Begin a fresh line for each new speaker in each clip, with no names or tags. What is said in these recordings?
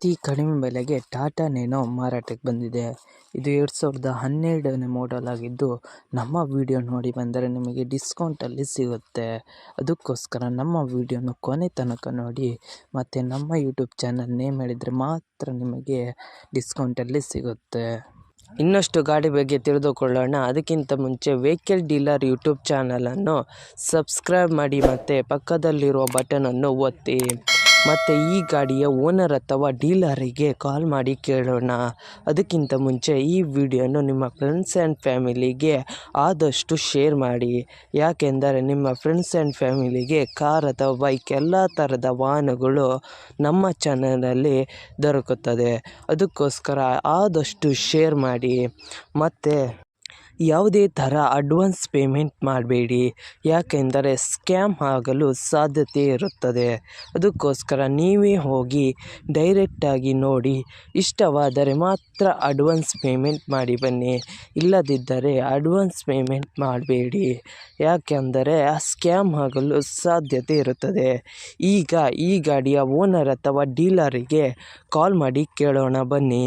ಅತಿ ಕಡಿಮೆ ಬೆಲೆಗೆ ಟಾಟಾ ನೇನೋ ಮಾರಾಟಕ್ಕೆ ಬಂದಿದೆ. ಇದು 2012ನೇ ಮಾಡೆಲ್ ಆಗಿದ್ದು, ನಮ್ಮ ವಿಡಿಯೋ ನೋಡಿ ಬಂದರೆ ನಿಮಗೆ ಡಿಸ್ಕೌಂಟಲ್ಲಿ ಸಿಗುತ್ತೆ. ಅದಕ್ಕೋಸ್ಕರ ನಮ್ಮ ವಿಡಿಯೋನ ಕೊನೆ ತನಕ ನೋಡಿ, ಮತ್ತು ನಮ್ಮ ಯೂಟ್ಯೂಬ್ ಚಾನಲ್ ನೇಮ್ ಹೇಳಿದರೆ ಮಾತ್ರ ನಿಮಗೆ ಡಿಸ್ಕೌಂಟಲ್ಲಿ ಸಿಗುತ್ತೆ. ಇನ್ನಷ್ಟು ಗಾಡಿ ಬಗ್ಗೆ ತಿಳಿದುಕೊಳ್ಳೋಣ. ಅದಕ್ಕಿಂತ ಮುಂಚೆ ವೆಹಿಕಲ್ ಡೀಲರ್ ಯೂಟ್ಯೂಬ್ ಚಾನಲನ್ನು ಸಬ್ಸ್ಕ್ರೈಬ್ ಮಾಡಿ ಮತ್ತು ಪಕ್ಕದಲ್ಲಿರುವ ಬಟನನ್ನು ಒತ್ತಿ. ಮತ್ತು ಈ ಗಾಡಿಯ ಓನರ್ ಅಥವಾ ಡೀಲರಿಗೆ ಕಾಲ್ ಮಾಡಿ ಕೇಳೋಣ. ಅದಕ್ಕಿಂತ ಮುಂಚೆ ಈ ವಿಡಿಯೋನು ನಿಮ್ಮ ಫ್ರೆಂಡ್ಸ್ ಆ್ಯಂಡ್ ಫ್ಯಾಮಿಲಿಗೆ ಆದಷ್ಟು ಶೇರ್ ಮಾಡಿ. ಯಾಕೆಂದರೆ ನಿಮ್ಮ ಫ್ರೆಂಡ್ಸ್ ಆ್ಯಂಡ್ ಫ್ಯಾಮಿಲಿಗೆ ಕಾರ್ ಅಥವಾ ಬೈಕ್ ಎಲ್ಲ ಥರದ ವಾಹನಗಳು ನಮ್ಮ ಚಾನಲಲ್ಲಿ ದೊರಕುತ್ತದೆ. ಅದಕ್ಕೋಸ್ಕರ ಆದಷ್ಟು ಶೇರ್ ಮಾಡಿ. ಮತ್ತು ಯಾವುದೇ ಥರ ಅಡ್ವಾನ್ಸ್ ಪೇಮೆಂಟ್ ಮಾಡಬೇಡಿ, ಯಾಕೆಂದರೆ ಸ್ಕ್ಯಾಮ್ ಆಗಲು ಸಾಧ್ಯತೆ ಇರುತ್ತದೆ. ಅದಕ್ಕೋಸ್ಕರ ನೀವೇ ಹೋಗಿ ಡೈರೆಕ್ಟಾಗಿ ನೋಡಿ, ಇಷ್ಟವಾದರೆ ಮಾತ್ರ ಅಡ್ವಾನ್ಸ್ ಪೇಮೆಂಟ್ ಮಾಡಿ ಬನ್ನಿ. ಇಲ್ಲದಿದ್ದರೆ ಅಡ್ವಾನ್ಸ್ ಪೇಮೆಂಟ್ ಮಾಡಬೇಡಿ, ಯಾಕೆಂದರೆ ಸ್ಕ್ಯಾಮ್ ಆಗಲು ಸಾಧ್ಯತೆ ಇರುತ್ತದೆ. ಈಗ ಈ ಗಾಡಿಯ ಓನರ್ ಅಥವಾ ಡೀಲರಿಗೆ ಕಾಲ್ ಮಾಡಿ ಕೇಳೋಣ ಬನ್ನಿ.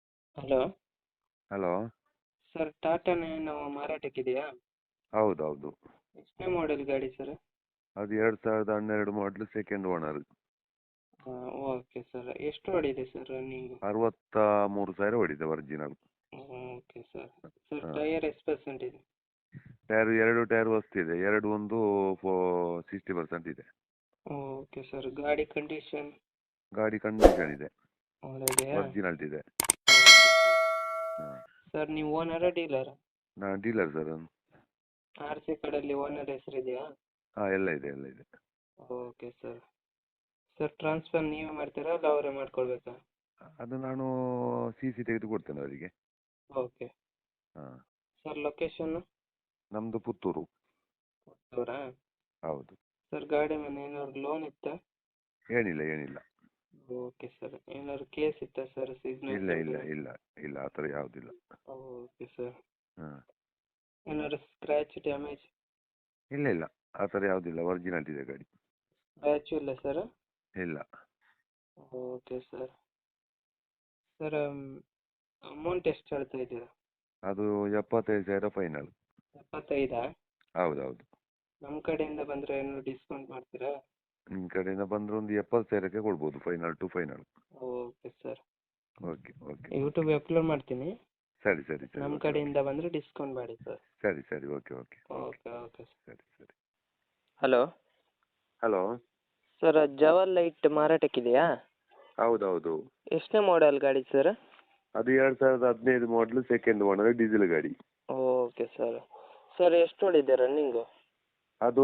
ಹಲೋ
ಸರ್, ಟಾಟಾ ನೇನೋ ಮಾರಾಟಕ್ಕಿದೆಯಾ?
ಹೌದೌದು.
ಎಷ್ಟನೇ ಮಾಡೆಲ್ ಗಾಡಿ ಸರ್?
ಅದು 2012 ಮಾಡಲು ಸೆಕೆಂಡ್ ಓನರ್.
Okay sir. ಎಷ್ಟು ಹೊಡಿದೆ ಸರ್ ರನ್ನಿಂಗು?
63,000 ಹೊಡಿದೆ original.
Okay sir. Sir tyre ಎಷ್ಟು ಪರ್ಸೆಂಟ್ ಇದೆ?
ಎರಡು ಟೈರ್ ಹೊಸ್ತಿದೆ, ಎರಡು ಒಂದು 60% ಇದೆ.
Okay sir. ಗಾಡಿ ಕಂಡೀಷನ್?
ಗಾಡಿ ಕಂಡೀಷನ್ ಇದೆ,
ಒಳ್ಳೆದೆಯಾ?
ಒರಿಜಿನಲ್ ಇದೆ.
ಸರ್, ನೀವು ಓನರಾ ಡೀಲರಾ?
ನಾನು ಡೀಲರ್ ಸರ್.
ಆರ್ ಸಿ ಕಾರ್ಡಲ್ಲಿ ಓನರ್ ಹೆಸರಿದೆಯಾ?
ಹಾಂ, ಎಲ್ಲ ಇದೆ ಎಲ್ಲ ಇದೆ.
Okay sir. ಸರ್, ಟ್ರಾನ್ಸ್ಫರ್ ನೀವೇ ಮಾಡ್ತೀರಾ ಅಲ್ಲ ಅವರೇ ಮಾಡ್ಕೊಳ್ಬೇಕಾ?
ಅದು ನಾನು ಸಿ ತೆಗೆದು ಕೊಡ್ತೇನೆ ಅವರಿಗೆ.
ಓಕೆ.
ಹಾಂ.
Sir, location?
ನಮ್ಮದು ಪುತ್ತೂರು.
ಪುತ್ತೂರಾ?
ಹೌದು.
ಸರ್, ಗಾಡಿ ಮೇಲೆ ಏನಾದ್ರು ಲೋನ್ ಇತ್ತಾ?
ಏನಿಲ್ಲ.
Okay sir. ಏನಾದ್ರು ಕೇಸ್ ಇತ್ತಾ ಸರ್? ಸಿಗ್ನಲ್?
ಇಲ್ಲ ಆ ಥರ ಯಾವುದಿಲ್ಲ.
Okay sir.
ಹಾಂ.
ಏನಾದ್ರು ಸ್ಕ್ರ್ಯಾಚ್ ಡ್ಯಾಮೇಜ್?
ಇಲ್ಲ ಆ ಥರ ಯಾವುದಿಲ್ಲ, ಒರಿಜಿನಲ್ ಇದೆ ಗಾಡಿ.
ಸ್ಕ್ರ್ಯಾಚು ಇಲ್ಲ ಸರ್?
ಇಲ್ಲ.
Okay sir. ಸರ್, ಅಮೌಂಟ್ ಎಷ್ಟು ಹೇಳ್ತಾ ಇದ್ದೀರಾ?
ಅದು 75,000 ಫೈನಲ್.
75?
ಹೌದೌದು.
ನಮ್ಮ ಕಡೆಯಿಂದ ಬಂದರೆ ಏನಾದ್ರು ಡಿಸ್ಕೌಂಟ್ ಮಾಡ್ತೀರಾ?
ನಿಮ್ಮ ಕಡೆಯಿಂದ ಬಂದರೆ ಒಂದು 70,000ಕ್ಕೆ ಕೊಡ್ಬೋದು, final to final.
Okay sir.
Okay.
YouTube upload ಮಾಡ್ತೀನಿ.
ಸರಿ.
ನಮ್ಮ ಕಡೆಯಿಂದ ಬಂದರೆ ಡಿಸ್ಕೌಂಟ್ ಮಾಡಿ ಸರ್.
ಸರಿ. ಓಕೆ.
Okay sir.
ಸರಿ.
ಹಲೋ
ಹಲೋ
ಸರ್, ಜವಲ್ ಲೈಟ್ ಮಾರಾಟಕ್ಕಿದೆಯಾ?
ಹೌದೌದು.
ಎಷ್ಟನೇ ಮಾಡೆಲ್ ಗಾಡಿ ಸರ್?
ಅದು 2015 ಮಾಡಲು ಸೆಕೆಂಡ್ ಓನರ್, ಡೀಸೆಲ್ ಗಾಡಿ.
Okay sir. ಸರ್, ಎಷ್ಟು ಹೊಡಿದೆ ರನ್ನಿಂಗು?
ಅದು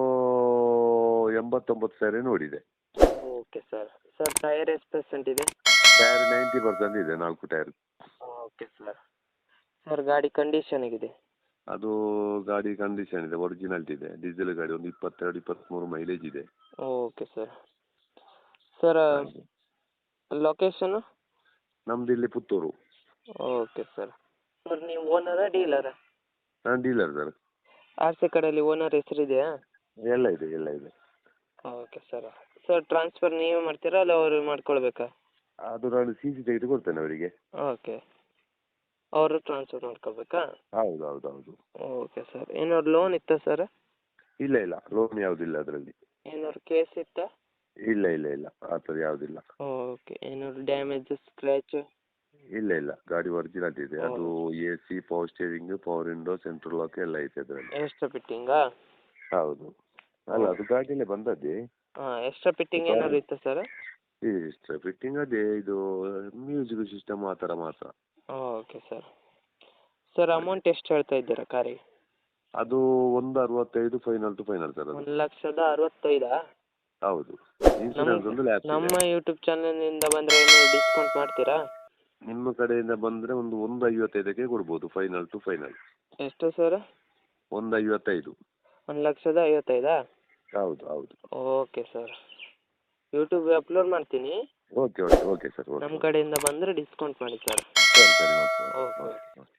89,000 ನೋಡಿದೆ.
Okay sir. ಸರ್, ಟೈರ್ ಎಷ್ಟು ಪರ್ಸೆಂಟ್ ಇದೆ?
ಟೈರ್ 90% ಇದೆ, 4 ಟೈರ್.
Okay sir. ಸರ್, ಗಾಡಿ ಕಂಡೀಷನ್ ಹೇಗಿದೆ?
ಅದು ಗಾಡಿ ಕಂಡೀಷನ್ ಇದೆ, ಒರಿಜಿನಲ್ ಇದೆ, ಡೀಸೆಲ್ ಗಾಡಿ. ಒಂದು 22-23 ಮೈಲೇಜ್ ಇದೆ.
Okay sir. Sir, location?
ನಮ್ದು ಇಲ್ಲಿ ಪುತ್ತೂರು.
Okay sir. ಸರ್, ನೀವು ಓನರಾ ಡೀಲರಾ?
ನಾನು ಡೀಲರ್ ಸರ್.
ಆರ್ ಸಿ ಕಡೆಯಲ್ಲಿ ಓನರ್ ಹೆಸರಿದೆಯಾ?
ಎಲ್ಲ ಇದೆ.
Okay sir. ಸರ್, ಟ್ರಾನ್ಸ್ಫರ್ ನೀವೇ ಮಾಡ್ತೀರಾ ಅಲ್ಲ ಅವರು ಮಾಡ್ಕೊಳ್ಬೇಕಾ?
ಅದು ನಾನು ಸಿ ತೆಗೆದು ಕೊಡ್ತೇನೆ ಅವರಿಗೆ.
ಓಕೆ. ಅವರು ಟ್ರಾನ್ಸ್ಫರ್ ಮಾಡ್ಕೋಬೇಕಾ?
ಹೌದು.
Okay sir. ಏನಾದ್ರು ಲೋನ್ ಇತ್ತಾ ಸರ್?
ಇಲ್ಲ ಲೋನ್ ಯಾವುದಿಲ್ಲ ಅದರಲ್ಲಿ.
ಏನಾದ್ರು ಕೇಸ್ ಇತ್ತಾ?
ಇಲ್ಲ ಆ ಥರ ಯಾವುದಿಲ್ಲ.
ಓಕೆ. ಏನಾದ್ರು ಡ್ಯಾಮೇಜ್, ಸ್ಕ್ರ್ಯಾಚ್?
ಇಲ್ಲ ಗಾಡಿ ಒರಿಜಿನಲ್ ಇದೆ. ಅದು AC, power steering, power window, central lock ಎಲ್ಲ ಐತೆ ಅದರಲ್ಲಿ.
ಎಕ್ಸ್ಟ್ರಾ ಫಿಟ್ಟಿಂಗಾ?
ಹೌದು. ಅಲ್ಲ, ಅದು ಗಾಡಿಯಲ್ಲೇ ಬಂದದ್ದೇ.
ಎಕ್ಸ್ಟ್ರಾ ಫಿಟ್ಟಿಂಗ್ ಏನಾದ್ರು ಇತ್ತಾ ಸರ್?
ಎಕ್ಸ್ಟ್ರಾ ಫಿಟ್ಟಿಂಗ್ ಅದೇ, ಇದು ಮ್ಯೂಸಿಕ್ ಸಿಸ್ಟಮ್ ಆ ಥರ ಮಾತ್ರ.
Okay sir. ಸರ್, ಅಮೌಂಟ್ ಎಷ್ಟು ಹೇಳ್ತಾ ಇದ್ದೀರಾ ಕಾರಿಗೆ?
ಅದು 165 ಫೈನಲ್ ಟು ಫೈನಲ್ ಸರ್. ಅದು
1,65,000?
ಹೌದು. ಇನ್ಸೂರೆನ್ಸ್ ಒಂದು ಲ್ಯಾಪ್ಸ್ ಇದೆ.
ನಮ್ಮ ಯೂಟ್ಯೂಬ್ ಚಾನಲ್ನಿಂದ ಬಂದರೆ ಏನಾದ್ರು ಡಿಸ್ಕೌಂಟ್ ಮಾಡ್ತೀರಾ?
ನಿಮ್ಮ ಕಡೆಯಿಂದ ಬಂದರೆ ಒಂದು 155ಕ್ಕೆ ಕೊಡ್ಬೋದು, ಫೈನಲ್ ಟು ಫೈನಲ್.
ಎಷ್ಟು ಸರ್?
155.
1,55,000?
ಹೌದು.
Okay sir. ಯೂಟ್ಯೂಬ್ ಅಪ್ಲೋಡ್ ಮಾಡ್ತೀನಿ.
Okay sir.
ನಮ್ಮ ಕಡೆಯಿಂದ ಬಂದರೆ ಡಿಸ್ಕೌಂಟ್ ಮಾಡಿ ಸರ್.
ಸರಿ.
ಓಕೆ.